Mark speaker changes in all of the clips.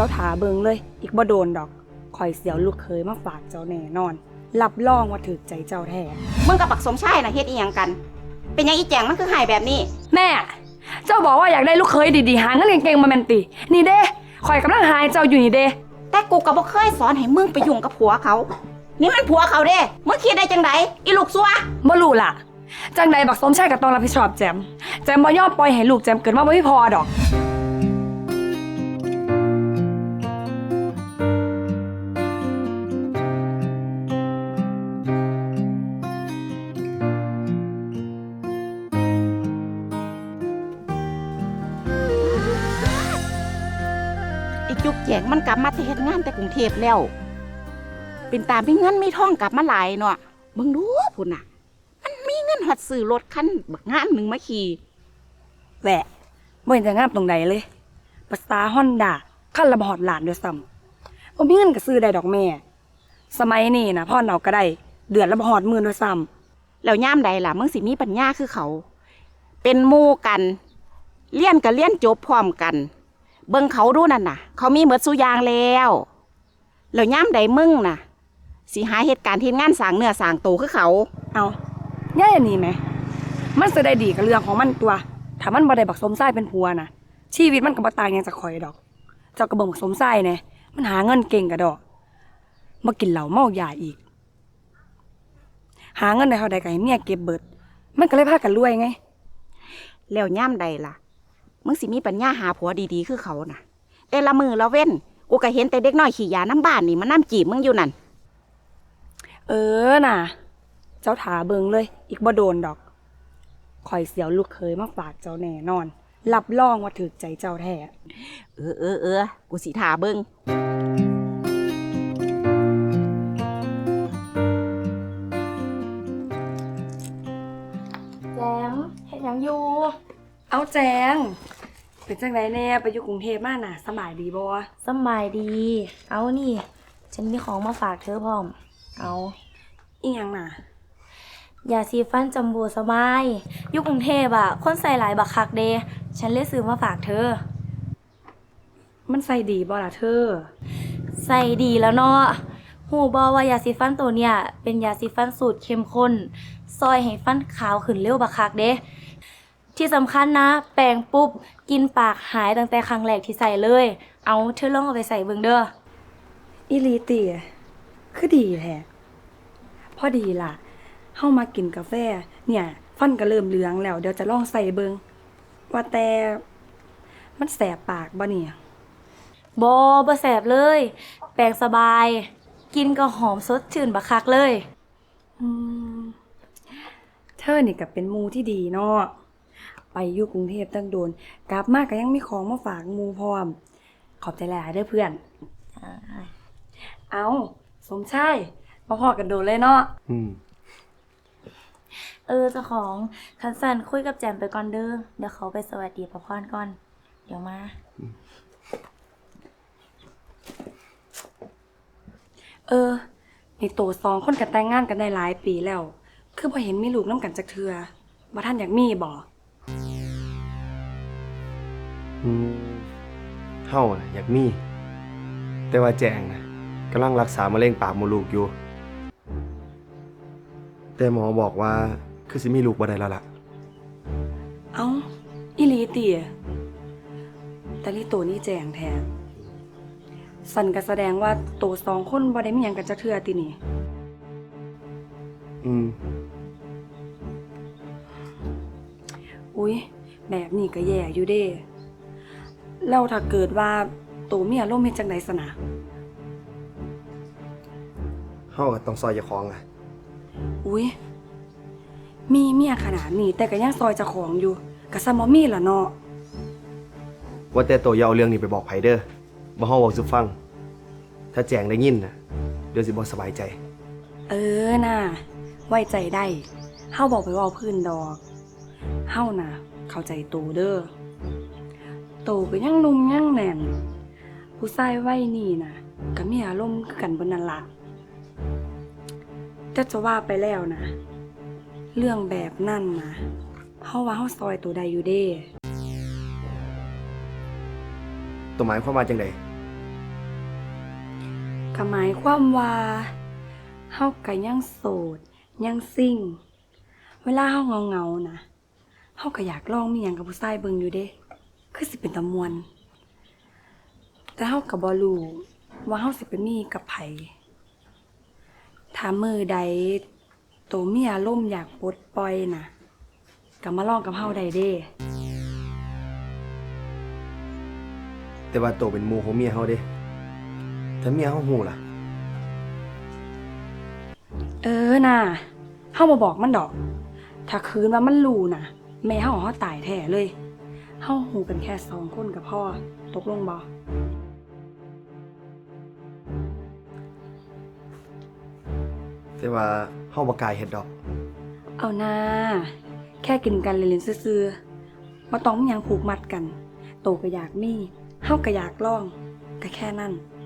Speaker 1: จ้าถาเบิงเลยอีกบ่โดนดอกคอยเสียวลูกเคยมาฝากเจ้าแน่นอนรับรองว่าถึกใจเจ้าแท้
Speaker 2: มึงกับปักสมชายน่ะเฮ็ดอีหยังกันเป็นยังอีแจงมันคือหายแบบนี้
Speaker 1: แม่เจ้าบอกว่าอยากได้ลูกเคยดีๆหาเงินเก่งๆมาแมนตินี่เด้คอยกำลังหายเจ้าอยู่นี่เด้
Speaker 2: แต่กูก็บ่เคยสอนให้มึงไปยุ่งกับผัวเขานี่มันผัวเขาเด้มึงคิดได้จังไดอีลูกซัว
Speaker 1: บ่รู้ล่ะจังใดบักสมชายก็ต้องรับผิดชอบแจมบ่ยอมปล่อยให้ลูกแจมเกิดมาบ่มีพอดอก
Speaker 2: อีจุกแจงมันกลับมาเฮ็ดงานแต่กรุงเทพแล้วเป็นตามมีเงินมีทองกลับมาหลายเนาะมึงดูพุ่นน่ะมันมีเงินฮอดซื้อรถคันบักงามหนึงมาขี่
Speaker 1: แหวะบ่เห็นจะงามตรงใดเลยภาษาฮอนด้าคันละบ่ฮอดล้านด้วยซ้ำบ่มีเงินก็ซื้อได้ดอกแม่สมัยนี้นะพ่อเอาก็ได้เดือนละบ่ฮอดหมื่นด้วยซ้ำ
Speaker 2: แล้วย่ามใดล่ะมึงสิมีปัญญาคือเขาเป็นหมู่กันเรียนก็เรียนจบพร้อมกันเบิ่งเขาดูนั่นน่ะเขามีหมดซุอย่างแล้วย่ามใดมึงน่ะสิหาเหตุการณ์ที่งานสร้างเนื้อสร้างตัวคือเขา
Speaker 1: เอาย่ายอันนี้ไหมมันสิได้ดีกับเรื่องของมันตัวถ้ามันบ่ได้บักสมชายเป็นผัวน่ะชีวิตมันก็บ่ต่างหยังจากข่อยดอกเจ้าก็เบิ่งบักสมชายแน่มันหาเงินเก่งกะดอกมากินเหล้าเมายาอีกหาเงินได้เท่าใดก็ให้เมียเก็บเบิดมันก็เลยพากันรวยไง
Speaker 2: แล้วย่ามใดล่ะมึงสิมีปัญญาหาผัวดีๆคือเขาน่ะแต่ละมือละเว้นกูก็เห็นแต่เด็กน้อยขี้ยาน้ำบ้านนี่มันน้ำจีบมึงอยู่นั่น
Speaker 1: น่ะเจ้าถาเบิงเลยอีกบ่โดนดอกคอยเสียวลูกเคยมาฝากเจ้าแน่นอนรับรองว่าถึกใจเจ้าแท้
Speaker 2: กูสิท่าเบิง
Speaker 3: แจมเฮ็ดหยังอยู่
Speaker 1: เอาแจงเป็นจังไดแน่ไปอยู่กรุงเทพมาน่ะสบายดีบ่
Speaker 3: สบายดีเอานี่ฉันมีของมาฝากเธอพร้อมเอา
Speaker 1: อีหยังน่ะ
Speaker 3: ยาสีฟันจัมโบ้สบายอยู่กรุงเทพอ่ะคนใส่หลายบักคักเดฉันเลยซื้อมาฝากเธอ
Speaker 1: มันใส่ดีบ่ล่ะเธอ
Speaker 3: ใส่ดีแล้วเนาะหูบ่ว่ายาสีฟันตัวเนี้ยเป็นยาสีฟันสูตรเข้มข้นซอยให้ฟันขาวขึ้นเร็วบักคักเดที่สำคัญนะแปรงปุ๊บกินปากหายตั้งแต่ครั้งแรกที่ใส่เลยเอาเธอลองเอาไปใส่เบิ่งเด้อ
Speaker 1: อีหลีติคือดีแท้พอดีล่ะเฮามากินกาแฟเนี่ยฟันก็เริ่มเหลืองแล้วเดี๋ยวจะลองใส่เบิ่งว่าแต่มันแสบปากบ่เนี่ย
Speaker 3: บ่แสบเลยแปรงสบายกินก็หอมสดชื่นบักคักเลย
Speaker 1: เธอนี่ก็เป็นหมู่ที่ดีเนาะไปอยู่กรุงเทพตั้งโดนกลับมาก็ยังมีของมาฝากหมู่พร้อมขอบใจหลายเด้อเพื่อนเอาสมชายมาพอกันโดนเลยเนาะ
Speaker 3: เจ้าของคันสันคุยกับแจมไปก่อนเด้อเดี๋ยวเขาไปสวัสดีพ่อพรก่อนเดี๋ยวมา
Speaker 1: ในโตสองคนกันแต่งงานกันได้หลายปีแล้วคือพอเห็นมีลูกน้ำกันจักเทือว่าท่านอยากมีบ่
Speaker 4: เฮาน่ะอยากมีแต่ว่าแจงนะกำลังรักษามะเร็งปากมดลูกอยู่แต่หมอบอกว่าคือสิมีลูกบ่ได้แล้วล่ะ
Speaker 1: เอ้าอีหลีติแต่ลิโตนี่แจงแท้สันก็แสดงว่าโตสองคนบ่ได้มีหยังกันจักเทือตินี่อุ๊ยแบบนี้ก็แย่อยู่เด้แล้วถ้าเกิดว่าโตมีอารมณ์เฮ็ดจังได๋ซะนะ
Speaker 4: เฮาก็ต้องซอยเจ้าของ
Speaker 1: อุ๊ยมีเมียขนาดนี้แต่ก็ยังซอยเจ้าของอยู่ก็ซ้ำบ่มีล่ะเนาะ
Speaker 4: ว่าแต่โตอย่าเอาเรื่องนี้ไปบอกไผเด้อบ่เฮาเว้าสู่ฟังถ้าแจงได้ยินน่ะเดี๋ยวสิบ่สบายใจ
Speaker 1: น่ะไว้ใจได้เฮาบอกไปเว้าพื้นดอกเฮาน่ะเข้าใจโตเด้อโตก็ยังหนุ่มยังแน่นผู้ชายวัยนี้น่ะก็มีอารมณ์คือกันเบิดนั่นล่ะแต่จะว่าไปแล้วนะเรื่องแบบนั้นนะเฮาว่าเฮาซอยโตได้อยู่เด้
Speaker 4: ตัวหมายความว่าจังได
Speaker 1: ก็หมายความว่าเฮาก็ยังโสดยังซิ่ง เวลาเฮาเหงาๆนะเฮาก็อยากลองมีหยังกับผู้ชายเบิ่งอยู่เด้คือสิเป็นตะมวน แต่เฮาก็บ่รู้ว่าเฮาสิไปมีกับไผถ้ามื้อใดโตมีอารมณ์อยากปลดปล่อยน่ะก็มาลองกับเฮาได้เด้
Speaker 4: แต่ว่าโตเป็นหมู่ของเมียเฮาเด้ถ้าเมียเฮาฮู้ล่ะ
Speaker 1: น่ะเฮาบ่บอกมันดอก ถ้าคืนว่ามันรู้น่ะ แม่เฮาตายแท้เลย เฮาฮู้กันแค่2 คนก็พอตกลงบ่
Speaker 4: แต่ว่าเฮาบ่กล้าเฮ็ดดอก
Speaker 1: เอานะแค่กินกันเล่นๆซื่อๆบ่ต้องมีหยังผูกมัดกัน โตก็อยากมีเฮาก็อยากลองก็แค่นั้น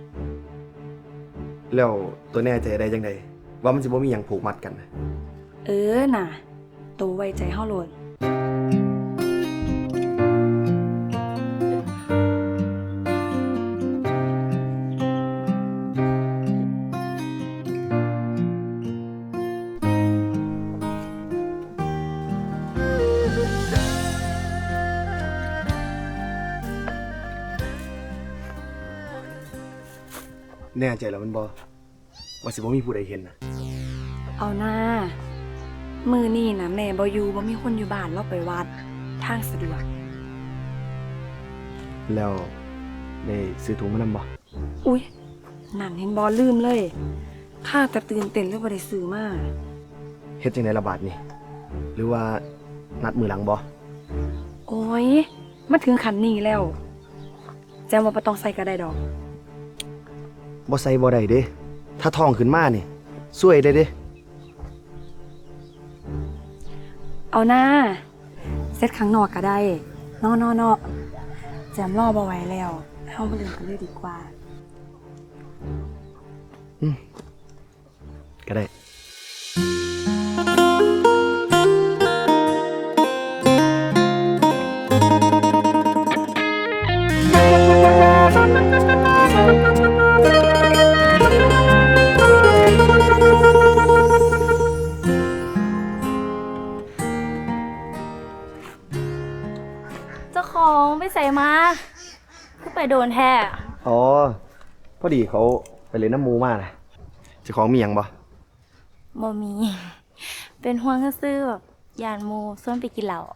Speaker 4: แล้วตัวแน่ใจได้จังไดว่ามันสิบ่มีหยังผูกมัดกันนะ
Speaker 1: น่ะ โตไว้ใจเฮาโลด
Speaker 4: แน่ใจแล้วมันบ่ว่าสิบ่มีผู้ใดเห็นนะ
Speaker 1: เอาหน้ามือนี่นะแม่บ่อยู่บ่มีคนอยู่บ้านเราไปวัดทางสะดวก
Speaker 4: แล้วได้ซื้อถุงมานำบ่
Speaker 1: อุ๊ยนั่นเห็นบ่ลืมเลยข้าแต่ตื่นเต้นเลยบ่ได้ซื้อมา
Speaker 4: เฮ็ดจังได๋ละบาดนี่หรือว่านัดมือหลังบ่
Speaker 1: โอ้ยมาถึงขั้นนี้แล้วแจ้งว่าบ่ต้องใส่ก็ได้ดอก
Speaker 4: บ่ใส่บ่ได้เด้ถ้าท้องขึ้นมานี่ซวยได้เด้
Speaker 1: เอาหน้าเซตข้างนอกก็ได้นอแจมรอบ่ไหวแล้วเฮามาเล่นกันเลยดีกว่า
Speaker 4: ก็ได้
Speaker 3: เจ้าของไปใส่มาคือไปโดนแท้
Speaker 4: อ๋อพอดีเขาไปเล่นน้ำหมูมาน่ะเจ้าของมีหยังบ่
Speaker 3: บ่มี เป็นห่วงซื่อๆแบบยานหมูส่วนไปกินเหล้า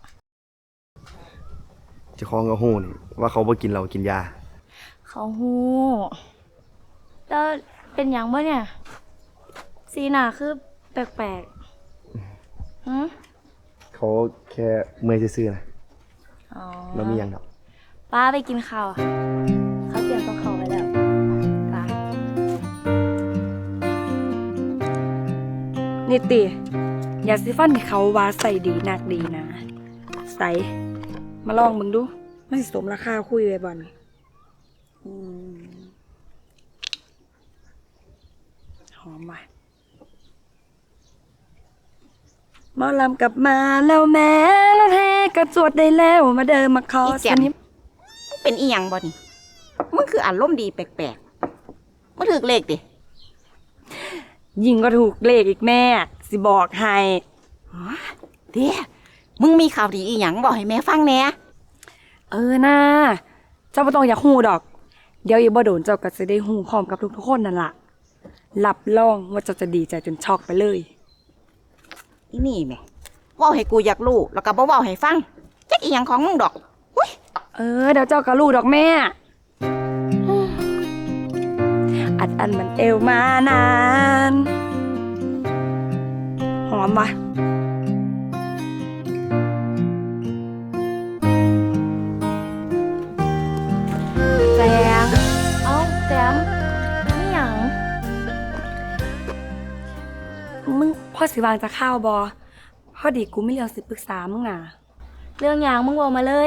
Speaker 4: เจ้าของก็ฮู้นี่ว่าเขาบ่กินเหล้ากินยา
Speaker 3: เขาฮู้แล้วเป็นหยังบ่เนี่ย สีหน้าคือแปลกๆหือ
Speaker 4: เขาแค่เมื่อยซื่อๆนะ
Speaker 3: อ๋อ
Speaker 4: แล้วมีหยังดอก
Speaker 3: ป้าไปกินข้าวเขาเตรียมกับเขาวไว้แล้วป้า
Speaker 1: นี่ติยาสีฟันที่เขาว่าใส่ดีนักดีนะใส่มาลองมึงดูมันสิสมราคาคุยไว้บ่นี่หอมว่ะหมอลำกลับมาแล้วแม่แล้วแท้กระจวดได้แล้วมาเดินมาขอ
Speaker 2: อีแจ่
Speaker 1: ส
Speaker 2: ม
Speaker 1: นิม
Speaker 2: เป็นอีหยังบ่นี่มึงคืออารมณ์ดีแปลกๆมึงถึกเลขดิ
Speaker 1: ยิงก็ถูกเลขอีกแม่ สิบอกให้
Speaker 2: เด้มึงมีข่าวดีอีหยังบอกให้แม่ฟังแหน่
Speaker 1: น่าเจ้าบ่ต้องอยากฮู้ดอก เดี๋ยวอีบ่โดนเจ้าก็จะได้ฮู้พร้อมกับทุกๆคนนั่นล่ะรับรองว่าเจ้าจะดีใจจนช็อกไปเลย
Speaker 2: อีนี่แหม่เว้าให้กูอยากรู้แล้วก็บ่เว้าให้ฟังจักอีหยังของมึงดอกอุ้ย
Speaker 1: เดี๋ยวเจ้าก็รู้ดอกแม่ อันมันเอวมานาน หอมปะแจง
Speaker 3: เอ้าแจมนี่หยัง
Speaker 1: มึงพ่อสิวางจะข้าวบอพอดีกูไม่เรื่องสิปรึกษามึงน่ะ
Speaker 3: เรื่องหยังมึงบอกมาเลย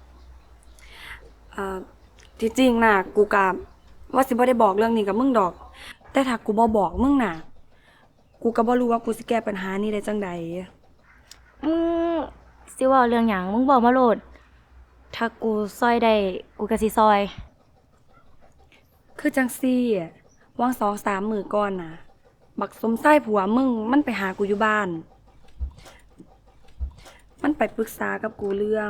Speaker 1: ที่จริงน่ะ กูกะว่าสิบ่ได้บอกเรื่องนี้กับมึงดอก แต่ถ้ากูบ่บอกมึงน่ะ กูก็บ่รู้ว่ากูสิแก้ปัญหานี้ได้จังใด
Speaker 3: มึงสิเว่าเรื่องหยังมึงบอกมาโลด ถ้ากูซอยได้กูก็สิซอย
Speaker 1: คือจังซี่ว่าง2-3 มื้อก่อนน่ะ บักสมไส้ผัวมึงมันไปหากูอยู่บ้าน มันไปปรึกษากับกูเรื่อง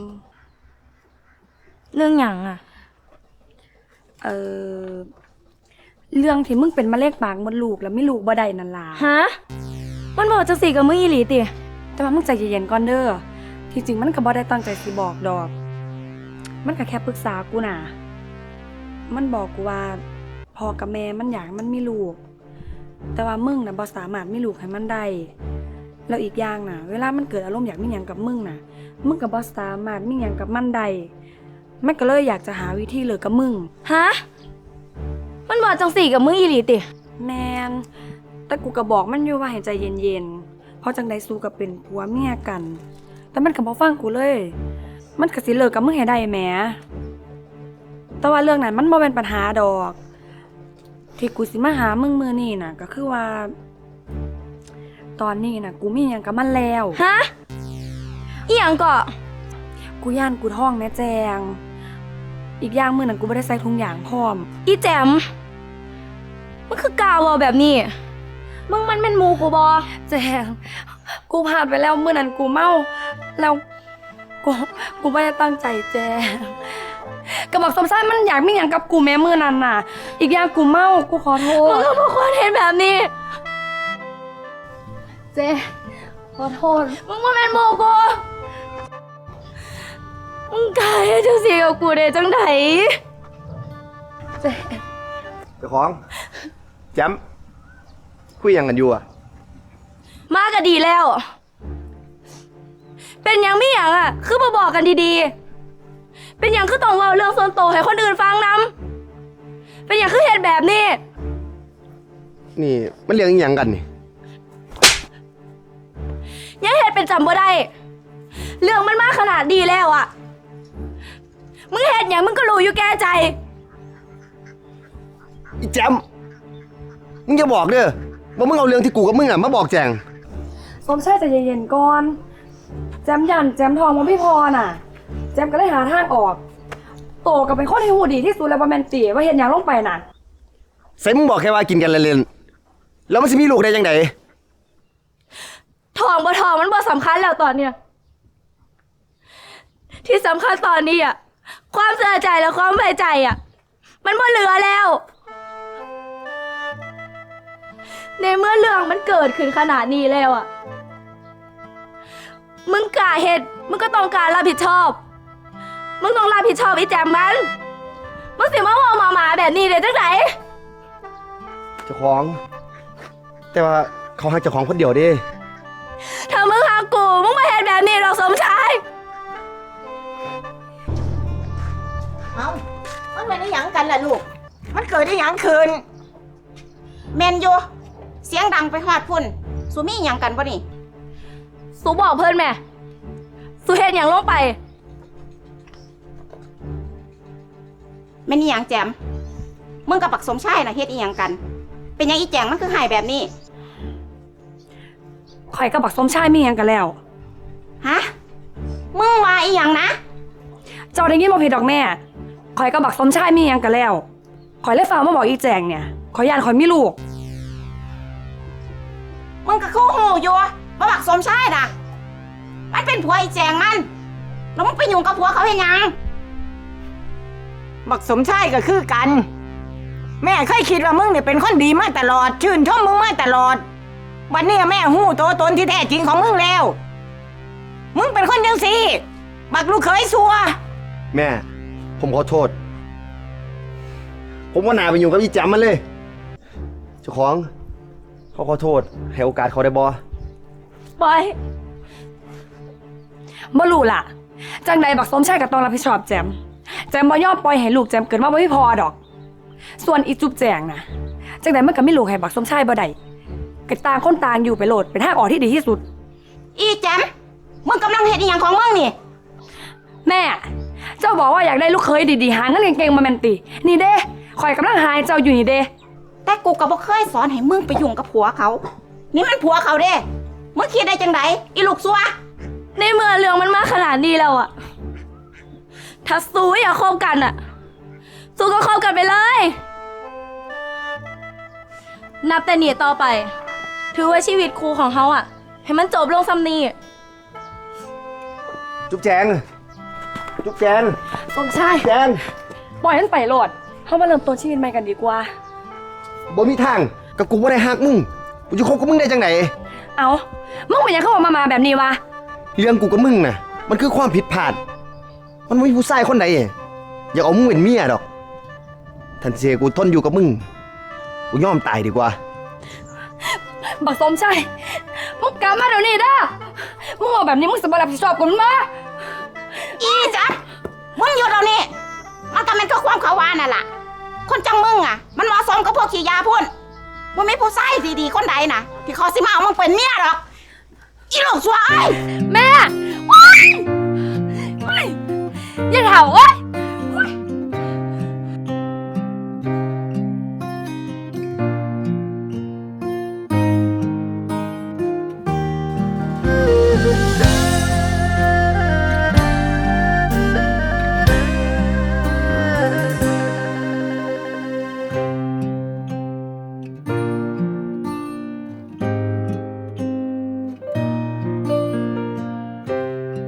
Speaker 3: เรื่องหยังอะ
Speaker 1: เออเรื่องที่มึงเป็นมะเร็งปากมดลูกแล้วไม่ลูกบ่ได้นั่นล่ะ
Speaker 3: ฮะมันบอกจังสี่กับมึงอีหลีติ
Speaker 1: แต่ว่ามึงใจเย็นๆก่อนเด้อที่จริงมันก็บ่ได้ตั้งใจสิบอกดอก มันก็แค่ปรึกษากูน่ะ มันบอกกูว่าพ่อกับแม่มันอยากให้มันมีลูก แต่ว่ามึงน่ะบ่สามารถมีลูกให้มันได้ แล้วอีกอย่างน่ะ เวลามันเกิดอารมณ์อยากมีหยังกับมึงน่ะ มึงก็บ่สามารถมีหยังกับมันได้ มันก็เลยอยากจะหาวิธีเลิกกับมึง
Speaker 3: ฮะมันบอกจังสี่กับมึงอีหลีติ
Speaker 1: แมนแต่กูก็บอกมันอยู่ว่าให้ใจเย็นๆ เพราะจังใดสู้กับเป็นผัวเมียกัน แต่มันก็บ่ฟังกูเลย มันก็สิเลิกกับมึงให้ได้แหมแต่ว่าเรื่องนั้นมันบ่เป็นปัญหาดอก ที่กูสิมาหามึงมื้อนี้น่ะ ก็คือว่า ตอนนี้น่ะ กูมีหยังกับมันแล้ว
Speaker 3: ฮะอีหยังก็
Speaker 1: กูย่านกูท้องแม่แจง อีกอย่างมื้อนั้นกูบ่ได้ใส่ถุงยางพร้อม
Speaker 3: อีแจมมันคือกาวเอาแบบนี้ มึงมันเป็นหมูกูบอ
Speaker 1: แจง กูพลาดไปแล้วมื้อนั้นกูเมาแล้วกูไม่ได้ตั้งใจแจงกระบอกสมไส้มันอยากมีอย่างกับกูแม้มื้อนั้นน่ะ อีกอย่างกูเมากูขอโท
Speaker 3: มึง
Speaker 1: ษ
Speaker 3: ก็บอกว่าเห็นแบบนี้
Speaker 1: แจงขอโทษ
Speaker 3: มึงมันเป็นหมูกูมึงกล้าให้จังสี่กับกูได้จังได
Speaker 1: แจง
Speaker 4: เจ้าของแจมคุยหยังกันอยู่อ่ะ
Speaker 3: มาก็ดีแล้ว เป็นหยังไม่หยังอ่ะ คือมาบอกกันดีๆ เป็นหยังคือต้องเล่าเรื่องส่วนตัวให้คนอื่นฟังนำเป็นหยังคือเหตุแบบนี้
Speaker 4: นี่มันเรื่องอิหยังกันนี่
Speaker 3: ยังเหตุเป็นจำบ่ได้ เรื่องมันมาขนาดดีแล้วอ่ะ มึงเหตุหยังมึงก็รู้อยู่แก่ใจ
Speaker 4: อีแจมมึงอย่าบอกเด้อว่ามึงเอาเรื่องที่กูกับมึงอ่ะมาบอกแจง
Speaker 1: สมชายใจเย็นๆก่อน แจมยันแจมทองมันพี่พอน่ะ แจมก็เลยหาทางออก โตก็เป็นคนที่หูดีที่สุดแล้วบ่แม่นติว่าเห็นหยังลงไปน่ะ
Speaker 4: ใส่มึงบอกแค่ว่ากินกันเล่นๆแล้วมันสิมีลูกได้ยังไง
Speaker 3: ทองบ่ทองมันบ่สำคัญแล้วตอนเนี้ยที่สำคัญตอนนี้อ่ะ ความเสียใจและความไว้ใจอ่ะ มันบ่เหลือแล้ว ในเมื่อเรื่องมันเกิดขึ้นขนาดนี้แล้วอ่ะ มึงกล้าเหตุมึงก็ต้องการรับผิดชอบ มึงต้องรับผิดชอบไอ้แจมมัน มึงสิมาว่าหมาแบบนี้ได้จังไหน
Speaker 4: เจ้าของ แต่ว่าเขาให้เจ้าของคนเดียวเด้
Speaker 3: ถ้ามึงหากูมึงมาเห็นแบบนี้หรอกสมชาย
Speaker 2: เอามันเป็นอีหยังกันล่ะลูก มันเกิดอีหยังขึ้นแมนอยู่เสียงดังไปฮอดพุ่นสูมีอีหยังกันบ่นี่
Speaker 3: สูบอกเพื่อนแม่สูเห็นอย่างลงไป
Speaker 2: แม่นอีหยังแจมมึงกับปักสมชายน่ะเฮ็ดอีหยังกัน เป็นหยังอีแจงมันคือหายแบบนี้
Speaker 1: ข่อยกับบักสมชายมีหยังกันแล้ว
Speaker 2: ฮะ มึงว่าอีหยังนะ
Speaker 1: เจ้าได้ยินบ่ผิดดอกแม่ข่อยกับบักสมชายมีหยังกันแล้วข่อยเลยฝากมาบอกอีแจงเนี่ยข่อยย่านข่อยมีลูก
Speaker 2: มึงก็คู่หูอยู่ว่าปักสมชายน่ะ มันเป็นผัวอีแจงมัน แล้วมึงไปยุ่งกับผัวเขาเฮ็ดหยัง
Speaker 5: บักสมชายก็คือกัน แม่เคยคิดว่ามึงเนี่ยเป็นคนดีมาตลอด ชื่นชมมึงมาตลอด วันนี้แม่หู้ตัวตนที่แท้จริงของมึงแล้ว มึงเป็นคนยังสิบักลูกเคยซัว
Speaker 4: แม่ ผมขอโทษ ผมว่านาไปอยู่กับอีแจมมันเลย เจ้าของ เขาขอโทษ ให้โอกาสเขาได้บ่
Speaker 3: บอย
Speaker 1: บ่รู้ล่ะ จังใดบักสมชายก็ต้องรับผิดชอบแจมบ่ยอมปล่อยให้ลูกแจมเกิดมาบ่มีพอดอก ส่วนอีจุ๊บแจงนะจังใดมันก็มีลูกให้บักสมชายบ่ได้ก็ต่างคนต่างอยู่ไปโลดเป็นทางออกที่ดีที่สุด
Speaker 2: อีแจมมึงกำลังเฮ็ดอีหยังของมึงนี่
Speaker 1: แม่ เจ้าบอกว่าอยากได้ลูกเคยดีๆหาเงินเก่งๆมาแม่นติ นี่เด้ข่อยกำลังหาให้เจ้าอยู่นี่เด้
Speaker 2: แต่กูก็บ่เคยสอนให้มึงไปยุ่งกับผัวเขา นี่มันผัวเขาเด้ มึงคิดได้จังไดอีลูกซัว
Speaker 3: ในเมื่อเรื่องมันมาขนาดนี้แล้วอะถ้าสูอยากคบกันอะสูก็คบกันไปเลยนับแต่นี้ต่อไป ถือว่าชีวิตครูของเขาอะให้มันจบลงซ้ำนี้
Speaker 4: จุ๊บแจง จุ๊บแจง
Speaker 1: สมชาย
Speaker 4: แจง
Speaker 1: ปล่อยมันไปโหลดเฮามาเริ่มต้นชีวิตใหม่กันดีกว่า
Speaker 4: บ่มีทางกับกูบ่ได้ฮักมึงกูจะคบกับมึงได้จังไหน
Speaker 1: เอามึงเป็นหยังเข้ามาแบบนี้วะ
Speaker 4: เรื่องกูกับมึงน่ะ มันคือความผิดพลาด มันไม่มีผู้ชายคนใดอยากเอามึงเป็นเมียดอกทันเสียกูทนอยู่กับมึง กูยอมตายดีกว่า
Speaker 1: บักสมชายมึงกลับมาเดี๋ยวนี้เด้อมึงเอาแบบนี้มึงสิบ่รับผิดชอบกูมั้ยมา
Speaker 2: อีจัดมึงอยู่ตรงนี้มันก็เป็นก็ความเขาว่านั่นล่ะ คนจังมึงอ่ะ มันเหมาะสมกับพวกขี้ยาพุ่นมันไม่ผู้ชายดีๆคนใดนะที่เขาสิมาเอามึงเป็นเมียหรอกอีลูกซัวไอ้ย
Speaker 1: แม่โอ๊ยโอ๊ยอย่าเถาเอ้ย